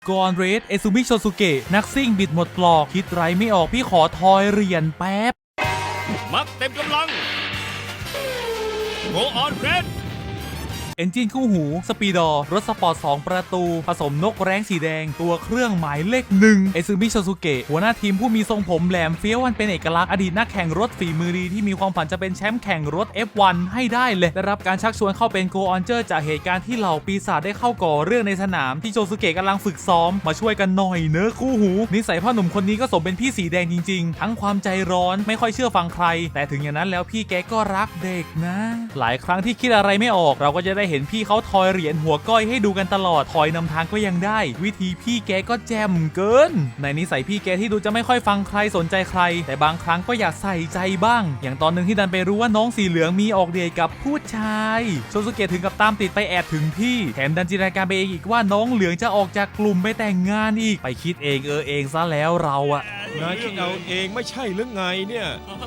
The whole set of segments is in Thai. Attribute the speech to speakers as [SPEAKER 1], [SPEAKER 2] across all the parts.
[SPEAKER 1] กอนเรสเอซูมิโชซุเกะนักซิ่งบิดหมดปลอกคิดไรไม่ออกพี่ขอทอยเหรียญแป๊บ
[SPEAKER 2] มักเต็มกำลังโกออนเรด
[SPEAKER 1] เอนจินคู่หูสปีดอร์รถสปอร์ต2ประตูผสมนกแร้งสีแดงตัวเครื่องหมายเลข1เอซูมิโชซุเกะหัวหน้าทีมผู้มีทรงผมแหลมเฟี้ยววันเป็นเอกลักษณ์อดีตนักแข่งรถฝีมือดีที่มีความฝันจะเป็นแชมป์แข่งรถ F1 ให้ได้เลยได้รับการชักชวนเข้าเป็นโกออนเจอร์จากเหตุการณ์ที่เหล่าปีศาจได้เข้าก่อเรื่องในสนามที่โชซุเกะกำลังฝึกซ้อมมาช่วยกันหน่อยเนอะคู่หูนิสัยพ่อหนุ่มคนนี้ก็สมเป็นพี่สีแดงจริงๆทั้งความใจร้อนไม่ค่อยเชื่อฟังใครแต่ถึงอย่างนั้นแล้วพี่แกก็รักเด็กนะหลายครั้งที่คิดอะไรไม่ออกเราก็จะได้เห็นพี่เขาทอยเหรียญหัวก้อยให้ดูกันตลอดถอยนำทางก็ยังได้วิธีพี่แกก็แจ่มเกินในนิสัยพี่แกที่ดูจะไม่ค่อยฟังใครสนใจใครแต่บางครั้งก็อยากใส่ใจบ้างอย่างตอนหนึ่งที่ดันไปรู้ว่าน้องสีเหลืองมีออกเดทกับผู้ชายโชซุเกะถึงกับตามติดไปแอบถึงที่แถมดันจินตนาการไปเองอีกว่าน้องเหลืองจะออกจากกลุ่มไปแต่งงานอีกไปคิดเองเองซะแล้วเราอะ
[SPEAKER 3] นายคิดเอาเองไม่ใช่หรือไงเนี่ย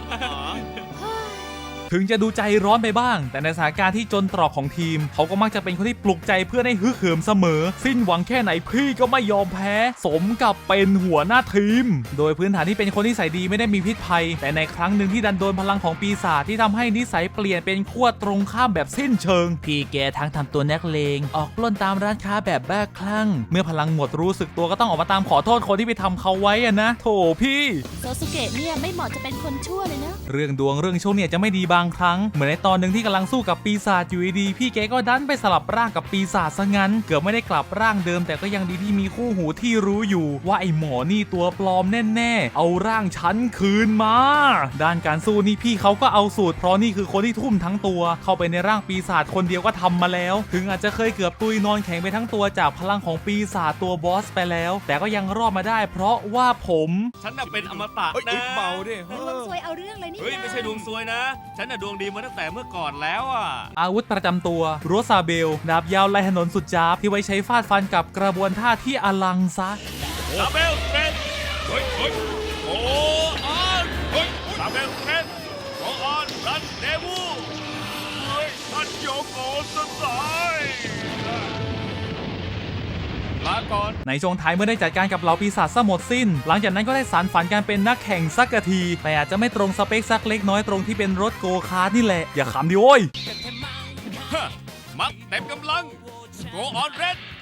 [SPEAKER 1] ถึงจะดูใจร้อนไปบ้างแต่ในสถานการณ์ที่จนตรอกของทีมเขาก็มักจะเป็นคนที่ปลุกใจเพื่อนให้ฮึกเหิมเสมอสิ้นหวังแค่ไหนพี่ก็ไม่ยอมแพ้สมกับเป็นหัวหน้าทีมโดยพื้นฐานที่เป็นคนที่นิสัยดีไม่ได้มีพิษภัยแต่ในครั้งหนึ่งที่ดันโดนพลังของปีศาจที่ทำให้นิสัยเปลี่ยนเป็นขั้วตรงข้ามแบบสิ้นเชิงพี่แกทั้งทำตัวนักเลงออกปล้นตามร้านค้าแบบบ้าคลั่งเมื่อพลังหมดรู้สึกตัวก็ต้องออกมาตามขอโทษคนที่ไปทำเขาไว้อะนะโถพี่
[SPEAKER 4] โซซุเกะเนี่ยไม่เหมาะจะเป็นคนชั่วเลยนะ
[SPEAKER 1] เรื่องดวงเรื่องโชคเนี่ยจะไม่ดีบางครั้งเหมือนในตอนหนึ่งที่กำลังสู้กับปีศาจอยู่ดีพี่แกก็ดันไปสลับร่างกับปีศาจซะงั้นเกือบไม่ได้กลับร่างเดิมแต่ก็ยังดีที่มีคู่หูที่รู้อยู่ว่าไอ้หมอนี่ตัวปลอมแน่ๆเอาร่างฉันคืนมาด้านการสู้นี่พี่เขาก็เอาสูตรเพราะนี่คือคนที่ทุ่มทั้งตัวเข้าไปในร่างปีศาจคนเดียวก็ทำมาแล้วถึงอาจจะเคยเกือบตุยนอนแข็งไปทั้งตัวจากพลังของปีศาจตัวบอสไปแล้วแต่ก็ยังรอดมาได้เพราะว่า
[SPEAKER 2] ฉันน่ะเป็นอมตะนะ
[SPEAKER 3] เบาดิ
[SPEAKER 4] ดวงซวยเอาเรื่องเลยนี่
[SPEAKER 2] ไม่ใช่ดวงซวยนะฉันน่ะดวงดีมาตั้งแต่เมื่อก่อนแล้วอ่ะ
[SPEAKER 1] อาวุธประจำตัวโรซาเบลดาบยาวลายถนนสุดจ้าบที่ไว้ใช้ฟาดฟันกับกระบวนท่าที่อลังซะ
[SPEAKER 2] ซาเบลเทรนโอ้ออนซาเบลเทรนโอ้ออนรันเดวูท่านโยโกสสายลาก่อน
[SPEAKER 1] ในช่วงท้ายเมื่อได้จัดการกับเหล่าปีศาจซะหมดสิ้นหลังจากนั้นก็ได้สานฝันการเป็นนักแข่งสักทีแต่อาจจะไม่ตรงสเปคสักเล็กน้อยตรงที่เป็นรถโกคาร์ทนี่แหละอย่าขำดิโว้ย
[SPEAKER 2] มักเต็มกำลังโกออนเรด